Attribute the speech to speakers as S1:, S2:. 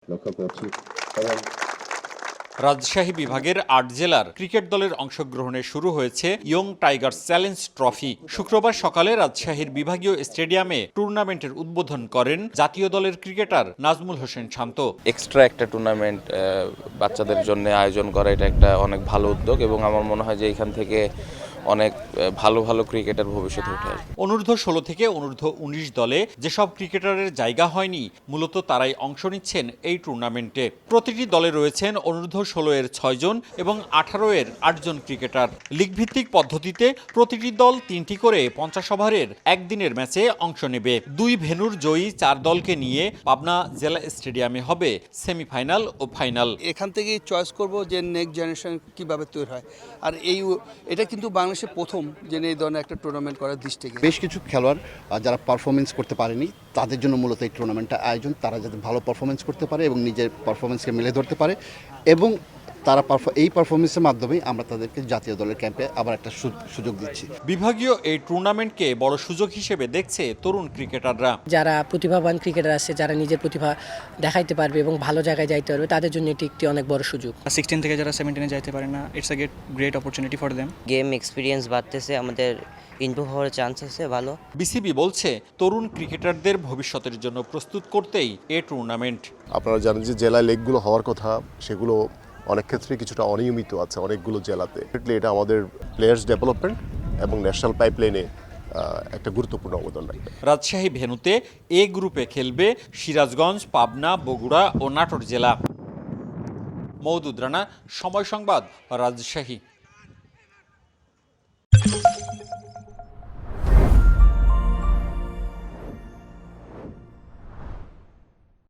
S1: লক্ষ্য করছি এবং
S2: রাজশাহী বিভাগের ৮ জেলার ক্রিকেট দলের অংশগ্রহণে শুরু হয়েছে ইয়ং টাইগার্স চ্যালেঞ্জ ট্রফি। শুক্রবার সকালে রাজশাহীর বিভাগীয় স্টেডিয়ামে টুর্নামেন্টের উদ্বোধন করেন জাতীয় দলের ক্রিকেটার নাজমুল হোসেন শান্ত।
S3: এক্সট্রা একটা টুর্নামেন্ট বাচ্চাদের জন্য আয়োজন করা এটা একটা অনেক ভালো উদ্যোগ এবং আমার মনে হয় যে এখান থেকে অনেক ভালো ভালো ক্রিকেটার ভবিষ্যতে উঠে আসবে।
S2: অনূর্ধ্ব ১৬ থেকে অনূর্ধ্ব ১৯ দলে যেসব ক্রিকেটারের জায়গা হয়নি মূলত তারাই অংশ নিচ্ছেন এই টুর্নামেন্টে। প্রতিটি দলে রয়েছেন অনূর্ধ্ব ১৬ এর ৬ জন এবং ১৮ এর ৮ জন ক্রিকেটার। লিগভিত্তিক পদ্ধতিতে প্রতিটি দল ৩টি করে ৫০ ওভারের একদিনের ম্যাচে অংশ নেবে। ২ ভেন্যুর জয়ী ৪ দলকে নিয়ে পাবনা জেলা স্টেডিয়ামে হবে সেমিফাইনাল ও ফাইনাল।
S4: এখান থেকেই চয়েস করব যে নেক্সট জেনারেশন কিভাবে তৈরি হয়। আর এটা কিন্তু বাংলাদেশের প্রথম যে এই ধরনের একটা টুর্নামেন্ট করার দৃষ্টিতে
S5: বেশ কিছু খেলোয়াড় যারা পারফরমেন্স করতে পারেনি তাদের জন্য মূলত এই টুর্নামেন্টটা আয়োজন। তারা যাতে ভালো পারফরমেন্স করতে পারে এবং নিজের পারফরমেন্সকে মেলে ধরতে পারে এবং তারা এই পারফরমেন্সের মাধ্যমে আমরা তাদেরকে জাতীয় দলের ক্যাম্পে আবার একটা সুযোগ দিচ্ছি।
S2: বিভাগীয় এই টুর্নামেন্টকে বড় সুযোগ হিসেবে দেখছে তরুণ ক্রিকেটাররা।
S6: যারা প্রতিভাবান ক্রিকেটার আছে, যারা নিজের প্রতিভা দেখাইতে পারবে এবং ভালো জায়গায় যাইতে পারবে, তাদের জন্য এটি একটি অনেক বড় সুযোগ।
S7: 16 থেকে যারা 17-এ যাইতে পারে না, it's a great opportunity for them.
S8: Game experience বাড়তেছে, আমাদের ইমপ্রুভ হওয়ার চান্স আছে ভালো।
S2: বিসিবি বলছে তরুণ ক্রিকেটারদের ভবিষ্যতের জন্য প্রস্তুত করতেই এ টুর্নামেন্ট।
S1: আপনারা জানেন যে জেলা লেগগুলো হওয়ার কথা, সেগুলো অনেক ক্ষেত্রে কিছুটা অনিয়মিত আছে অনেকগুলো জেলাতে। এটা আমাদের প্লেয়ার্স ডেভেলপমেন্ট এবং ন্যাশনাল পাইপলাইনে একটা গুরুত্বপূর্ণ অবদান রাখবে।
S2: রাজশাহী ভেন্যুতে এ গ্রুপে খেলবে সিরাজগঞ্জ, পাবনা, বগুড়া ও নাটোর জেলা। মওদুদ রানা, সময় সংবাদ, রাজশাহী।